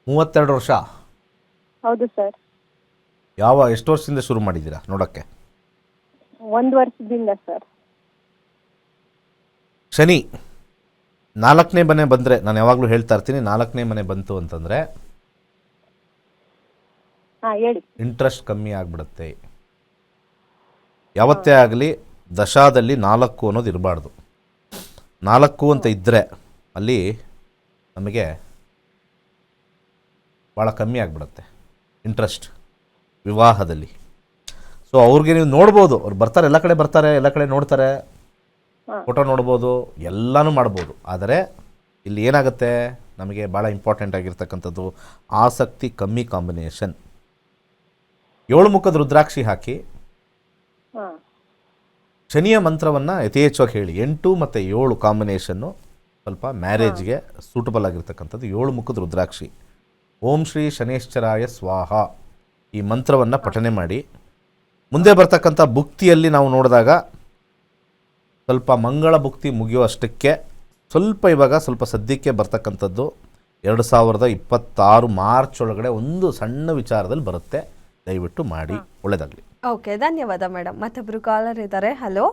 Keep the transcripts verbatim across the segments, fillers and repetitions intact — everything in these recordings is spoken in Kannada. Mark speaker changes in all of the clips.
Speaker 1: ಮೂವತ್ತೆರಡು ವರ್ಷ.
Speaker 2: ಹೌದು ಸರ್.
Speaker 1: ಯಾವ ಎಷ್ಟು ವರ್ಷದಿಂದ ಶುರು ಮಾಡಿದ್ದೀರಾ ನೋಡೋಕ್ಕೆ?
Speaker 2: ಒಂದು ವರ್ಷದಿಂದ ಸರ್.
Speaker 1: ಶನಿ ನಾಲ್ಕನೇ ಮನೆ ಬಂದರೆ, ನಾನು ಯಾವಾಗಲೂ ಹೇಳ್ತಾ ಇರ್ತೀನಿ, ನಾಲ್ಕನೇ ಮನೆ ಬಂತು ಅಂತಂದರೆ
Speaker 2: ಹಾಂ ಹೇಳಿ.
Speaker 1: ಇಂಟ್ರೆಸ್ಟ್ ಕಮ್ಮಿ ಆಗಿಬಿಡುತ್ತೆ. ಯಾವತ್ತೇ ಆಗಲಿ ದಶಾದಲ್ಲಿ ನಾಲ್ಕು ಅನ್ನೋದು ಇರಬಾರ್ದು. ನಾಲ್ಕು ಅಂತ ಇದ್ದರೆ ಅಲ್ಲಿ ನಮಗೆ ಭಾಳ ಕಮ್ಮಿ ಆಗಿಬಿಡುತ್ತೆ ಇಂಟ್ರೆಸ್ಟ್ ವಿವಾಹದಲ್ಲಿ. ಸೊ ಅವ್ರಿಗೆ ನೀವು ನೋಡ್ಬೋದು, ಅವ್ರು ಬರ್ತಾರೆ, ಎಲ್ಲ ಕಡೆ ಬರ್ತಾರೆ, ಎಲ್ಲ ಕಡೆ ನೋಡ್ತಾರೆ, ಫೋಟೋ ನೋಡ್ಬೋದು, ಎಲ್ಲನೂ ಮಾಡ್ಬೋದು. ಆದರೆ ಇಲ್ಲಿ ಏನಾಗುತ್ತೆ, ನಮಗೆ ಭಾಳ ಇಂಪಾರ್ಟೆಂಟ್ ಆಗಿರ್ತಕ್ಕಂಥದ್ದು ಆಸಕ್ತಿ ಕಮ್ಮಿ ಕಾಂಬಿನೇಷನ್. ಏಳು ಮುಖದ ರುದ್ರಾಕ್ಷಿ ಹಾಕಿ
Speaker 2: ಹಾಂ
Speaker 1: ಶನಿಯ ಮಂತ್ರವನ್ನು ಯಥೇಚ್ಛವಾಗಿ ಹೇಳಿ. ಎಂಟು ಮತ್ತು ಏಳು ಕಾಂಬಿನೇಷನ್ನು ಸ್ವಲ್ಪ ಮ್ಯಾರೇಜ್ಗೆ ಸೂಟಬಲ್ ಆಗಿರ್ತಕ್ಕಂಥದ್ದು. ಏಳು ಮುಖದ ರುದ್ರಾಕ್ಷಿ, ಓಂ ಶ್ರೀ ಶನೇಶ್ಚರಾಯ ಸ್ವಾಹ, ಈ ಮಂತ್ರವನ್ನು ಪಠನೆ ಮಾಡಿ. ಮುಂದೆ ಬರ್ತಕ್ಕಂಥ ಭುಕ್ತಿಯಲ್ಲಿ ನಾವು ನೋಡಿದಾಗ ಸ್ವಲ್ಪ ಮಂಗಳ ಭುಕ್ತಿ ಮುಗಿಯುವಷ್ಟಕ್ಕೆ ಸ್ವಲ್ಪ ಇವಾಗ ಸ್ವಲ್ಪ ಸದ್ಯಕ್ಕೆ ಬರ್ತಕ್ಕಂಥದ್ದು ಎರಡು ಸಾವಿರದ ಇಪ್ಪತ್ತಾರು ಮಾರ್ಚ್ ಒಳಗಡೆ ಒಂದು ಸಣ್ಣ ವಿಚಾರದಲ್ಲಿ ಬರುತ್ತೆ. ದಯವಿಟ್ಟು ಮಾಡಿ, ಒಳ್ಳೆಯದಾಗಲಿ.
Speaker 3: ಓಕೆ, ಧನ್ಯವಾದ ಮೇಡಮ್. ಮತ್ತೊಬ್ಬರು ಕಾಲರ್ ಇದ್ದಾರೆ. ಹಲೋ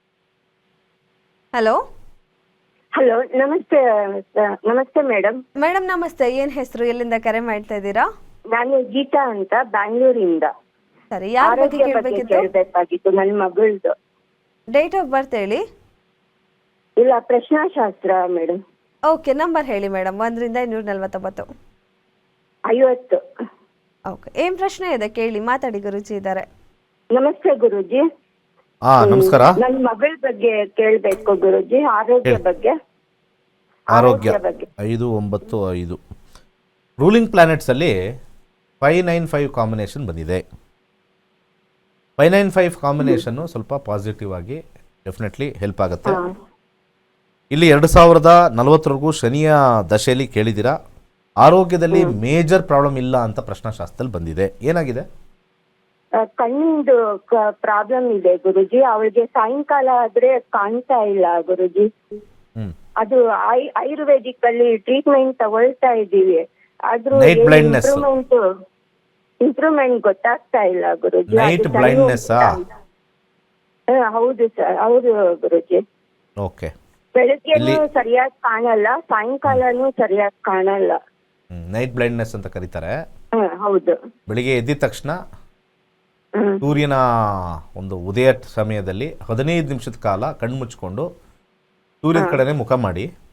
Speaker 3: ಹಲೋ
Speaker 4: ಹಲೋ, ನಮಸ್ತೆ. ನಮಸ್ತೆ ಮೇಡಮ್.
Speaker 3: ಮೇಡಮ್ ನಮಸ್ತೆ. ಏನು ಹೆಸರು, ಎಲ್ಲಿಂದ ಕರೆ ಮಾಡ್ತಾ ಇದ್ದೀರಾ?
Speaker 4: ನಾನು ಗೀತಾ ಅಂತ ಬ್ಯಾಂಗ್ಳೂರಿಂದ.
Speaker 3: ಸರಿ, ಯಾರ ಬಗ್ಗೆ
Speaker 4: ಆರೋಗ್ಯ ಬಗ್ಗೆ
Speaker 3: ಕೇಳಬೇಕಿತ್ತು?
Speaker 4: ಕೇಳಬೇಕಾಗಿತ್ತು, ನನ್ನ ಮಗಳದು.
Speaker 3: ಡೇಟ್ ಆಫ್ ಬರ್ತ್ ಹೇಳಿ.
Speaker 4: ಇಲ್ಲ, ಪ್ರಶ್ನಾಶಾಸ್ತ್ರ ಮೇಡಮ್.
Speaker 3: ಓಕೆ, ನಂಬರ್ ಹೇಳಿ ಮೇಡಮ್. ಒಂದರಿಂದ ಇನ್ನೂರ ನಲ್ವತ್ತೊಂಬತ್ತು.
Speaker 4: ಐವತ್ತು.
Speaker 3: ಓಕೆ, ಏನು ಪ್ರಶ್ನೆ ಇದೆ ಕೇಳಿ, ಮಾತಾಡಿ, ಗುರುಜಿ ಇದ್ದಾರೆ.
Speaker 4: ನಮಸ್ತೆ ಗುರುಜಿ.
Speaker 1: ಹಾಂ ನಮಸ್ಕಾರ.
Speaker 4: ನನ್ನ ಮಗಳ ಬಗ್ಗೆ ಕೇಳಬೇಕು ಗುರುಜಿ, ಆರೋಗ್ಯ
Speaker 1: ಹೇಳಿ.
Speaker 4: ಬಗ್ಗೆ.
Speaker 1: ಆರೋಗ್ಯ
Speaker 4: ಬಗ್ಗೆ
Speaker 1: ಐದು ಒಂಬತ್ತು ಐದು ರೂಲಿಂಗ್ ಪ್ಲಾನೆಟ್ಸಲ್ಲಿ ಫೈವ್ ನೈನ್ ಫೈವ್ ಕಾಂಬಿನೇಷನ್ ಬಂದಿದೆ. ಫೈವ್ ನೈನ್ ಫೈವ್ ಕಾಂಬಿನೇಷನ್ನು ಸ್ವಲ್ಪ ಪಾಸಿಟಿವ್ ಆಗಿ ಡೆಫಿನೆಟ್ಲಿ ಹೆಲ್ಪ್ ಆಗುತ್ತೆ.
Speaker 4: ಹಾ.
Speaker 1: ಇಲ್ಲಿ ಎರಡು ಸಾವಿರದ ನಲವತ್ತರೆಗೂ ಶನಿಯ ದಶೆಯಲ್ಲಿ ಕೇಳಿದ್ದೀರಾ. ಆರೋಗ್ಯದಲ್ಲಿ ಮೇಜರ್ ಪ್ರಾಬ್ಲಮ್ ಇಲ್ಲ ಅಂತ ಪ್ರಶ್ನಾಶಾಸ್ತ್ರದಲ್ಲಿ ಬಂದಿದೆ. ಏನಾಗಿದೆ?
Speaker 4: ಆ, ಕಣ್ಣಿಂದು ಪ್ರಾಬ್ಲಮ್ ಇದೆ ಗುರುಜಿ. ಅವಳಿಗೆ ಸಾಯಂಕಾಲ ಆದ್ರೆ ಕಾಣ್ತಾ ಇಲ್ಲ ಗುರುಜಿ.
Speaker 1: ಹ್ಮ್
Speaker 4: ಅದು ಐ ಆಯುರ್ವೇದಿಕ್ ಅಲ್ಲಿ ಟ್ರೀಟ್ಮೆಂಟ್ ತಗೊಳ್ತಾ ಇದ್ದೀವಿ, ಆದ್ರೂ
Speaker 1: Night blindness.
Speaker 4: ಇಂಪ್ರೂವ್ಮೆಂಟ್ ಇಂಪ್ರೂವ್ಮೆಂಟ್ ಗೊತ್ತಾಗ್ತಾ ಇಲ್ಲ ಗುರುಜಿ.
Speaker 1: ನೈಟ್
Speaker 4: ಅದು ಸರಿ
Speaker 1: ಬ್ಲೈಂಡ್ನೆಸ್ಸಾ?
Speaker 4: ಹೋಗ್ತಾ ಇಲ್ಲ. ಹಾ, ಹೌದು ಸರ್, ಹೌದು ಗುರುಜಿ.
Speaker 1: ಓಕೆ.
Speaker 4: ಬೆಳಗ್ಗೆನೂ
Speaker 1: ಇಲ್ಲಿ-
Speaker 4: ಸರಿಯಾಗಿ ಕಾಣಲ್ಲ, ಸಾಯಂಕಾಲನೂ ಸರಿಯಾಗಿ ಕಾಣಲ್ಲ.
Speaker 1: ನೈಟ್ ಬ್ಲೈಂಡ್ನೆಸ್ ಅಂತ ಕರೀತಾರೆ.
Speaker 4: ಹಾ, ಹೌದು.
Speaker 1: ಬೆಳಿಗ್ಗೆ ಎದ್ದಿದ ತಕ್ಷಣ
Speaker 4: ಹ್ಮ್.
Speaker 1: ಸೂರ್ಯನ ಒಂದು ಉದಯ ಸಮಯದಲ್ಲಿ ಹದಿನೈದು ನಿಮಿಷದ ಕಾಲ ಕಣ್ಣು ಮುಚ್ಕೊಂಡು ಸೂರ್ಯನ ಕಡೆನೇ ಮುಖ ಮಾಡಿ